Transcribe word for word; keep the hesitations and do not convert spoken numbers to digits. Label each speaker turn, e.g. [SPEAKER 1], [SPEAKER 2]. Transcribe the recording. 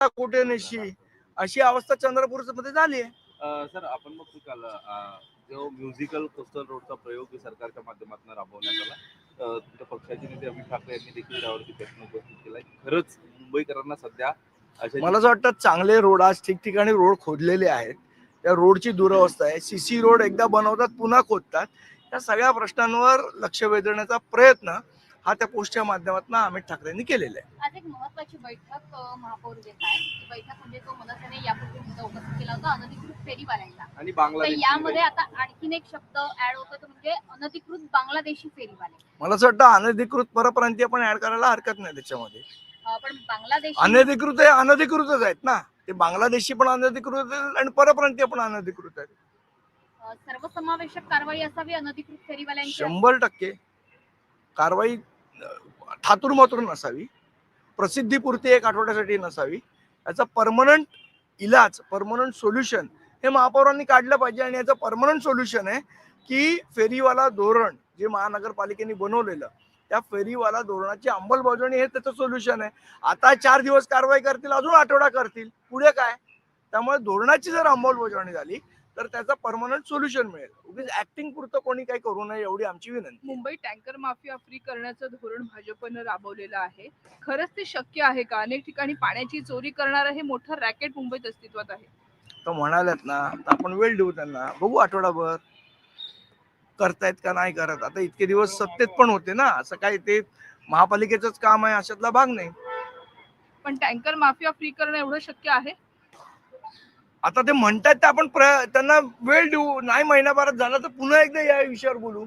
[SPEAKER 1] कुठे नशी अशी अवस्था चंद्रपूर मध्ये झाली आहे.
[SPEAKER 2] अ, सर आपण बघतो काल अ, जो म्युझिकल कोस्टल रोडचा प्रयोग सरकारच्या माध्यमातून राबवण्यात आला. अ, तुमच्या पक्षाचे नेते अमित ठाकरे यांनी देखील त्यावरती प्रश्न उपस्थित केलाय. खरंच मुंबईकरांना सध्या अशा
[SPEAKER 1] मला असं वाटतं चांगले रोड आज ठिकठिकाणी रोड खोदलेले आहेत. त्या रोडची दुरवस्था आहे. सीसी रोड एकदा बनवतात पुन्हा खोदतात. या सगळ्या प्रश्नांवर लक्ष वेधण्याचा प्रयत्न हा त्या पोस्टच्या माध्यमातून अमित ठाकरेंनी केलेला आहे.
[SPEAKER 3] आज एक महत्त्वाची बैठक अ, महापौर घेत आहे. ती बैठक म्हणजे तो मनसेने यापूर्वी मुद्दा उपस्थित केला होता अनधिकृत फेरीवाल्यांचा.
[SPEAKER 2] आणि
[SPEAKER 3] तर
[SPEAKER 2] बांगलादेश
[SPEAKER 3] यामध्ये आता आणखीन एक शब्द ऍड होतो तो म्हणजे अनधिकृत बांगलादेशी फेरीवाले.
[SPEAKER 1] मला असं वाटतं अनधिकृत परप्रांतीय पण ऍड करायला हरकत नाही त्याच्यामध्ये.
[SPEAKER 3] अ, पण बांगलादेश
[SPEAKER 1] अनधिकृत आहे अनधिकृतच आहेत ना. ते बांगलादेशी पण अनधिकृत आहेत आणि परप्रांतीय पण अनधिकृत आहेत.
[SPEAKER 3] सर्वसमावेशक कारवाई असावी अनधिकृत फेरीवाल्यांची.
[SPEAKER 1] शंभर टक्के कारवाई ठातूर मातूर नसावी, प्रसिद्धीपुरती एक आठवड्यासाठी नसावी. याचा परमनंट इलाज परमनंट सोल्युशन हे महापौरांनी काढलं पाहिजे. आणि याचं परमनंट सोल्युशन आहे की फेरीवाला धोरण जे महानगरपालिकेने बनवलेलं त्या फेरीवाला धोरणाची अंमलबजावणी हे त्याचं सोल्युशन आहे. आता चार दिवस कारवाई करतील, अजून आठवडा करतील, पुढे काय. त्यामुळे धोरणाची जर अंमलबजावणी झाली तर त्याचा परमनंट सोल्युशन मिळेल. उगीच ऍक्टिंग पुरतं कोणी काही करू नये एवढी आमची विनंती.
[SPEAKER 4] मुंबई टँकर माफिया फ्री करण्याचं धोरण भाजपनं राबवलेलं आहे. खरंच ते शक्य आहे का? अनेक ठिकाणी पाण्याची चोरी करणारं हे मोठं रॅकेट मुंबईत अस्तित्वात आहे.
[SPEAKER 1] तर म्हणाल्यात ना तर आपण वेळ देऊ त्यांना, बघू आठवडाभर करतायत का नाही करत. आता इतके दिवस सत्तेत पण होते ना, असं काही ते महापालिकेचंच काम आहे अशातला भाग नाही.
[SPEAKER 4] पण टँकर माफिया फ्री करणं एवढं शक्य आहे?
[SPEAKER 1] आता ते म्हणतात ते आपण त्यांना वेळ देऊ. नाही महिनाभरात झाला तर पुन्हा एकदा या विषयावर बोलू.